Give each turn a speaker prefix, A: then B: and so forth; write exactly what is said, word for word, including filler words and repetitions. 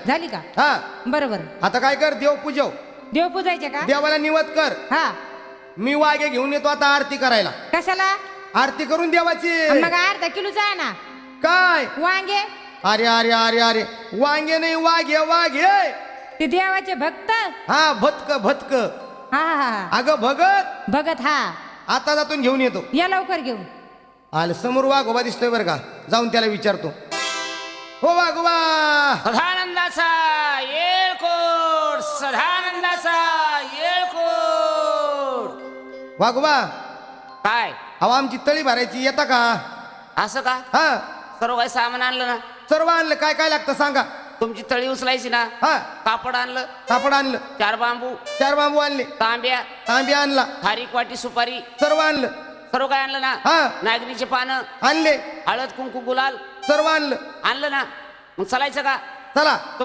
A: झाली का?
B: हा
A: बरोबर.
B: आता काय कर, देव पूजव.
A: देव पूजायचे का?
B: देवाला निवत कर.
A: हा.
B: मी वाघे घेऊन येतो आता आरती करायला.
A: कशाला?
B: आरती करून देवाची.
A: मग अर्धा किलोचा आहे ना.
B: काय
A: वांगे?
B: अरे अरे अरे अरे वांगे नाही, वाघे वाघे.
A: ते देवाचे भक्त.
B: हा भतक भतक.
A: हा हा हा.
B: अगं भगत.
A: भगत. हा.
B: आता जातून घेऊन येतो.
A: या लवकर घेऊन.
B: आलं समोर वाघोबा दिसतोय बरं का, जाऊन त्याला विचारतो. हो वाघोबा.
C: सदानंदाचा येळकोट, सदानंदाचा येळकोट.
B: वाघोबा,
C: काय
B: अहो आमची तळी भरायची, येता का?
C: असं का?
B: हा
C: सर्व काही सामान आणलं ना?
B: सर्व आणलं. काय काय लागतं सांगा.
C: तुमची तळी उचलायची ना?
B: हा
C: कापड आणलं,
B: कापड आणलं,
C: चार बांबू,
B: चार बांबू आणले,
C: तांब्या,
B: तांबे आणला,
C: खारीक वाटी, सुपारी,
B: सर्व आणलं.
C: सर्व काय आणलं ना?
B: हा
C: नागरीचे पानं,
B: आणले,
C: हळद, कुंकू, गुलाल
B: सर्व आणलं.
C: आणलं ना? मग चालायचं का?
B: चला.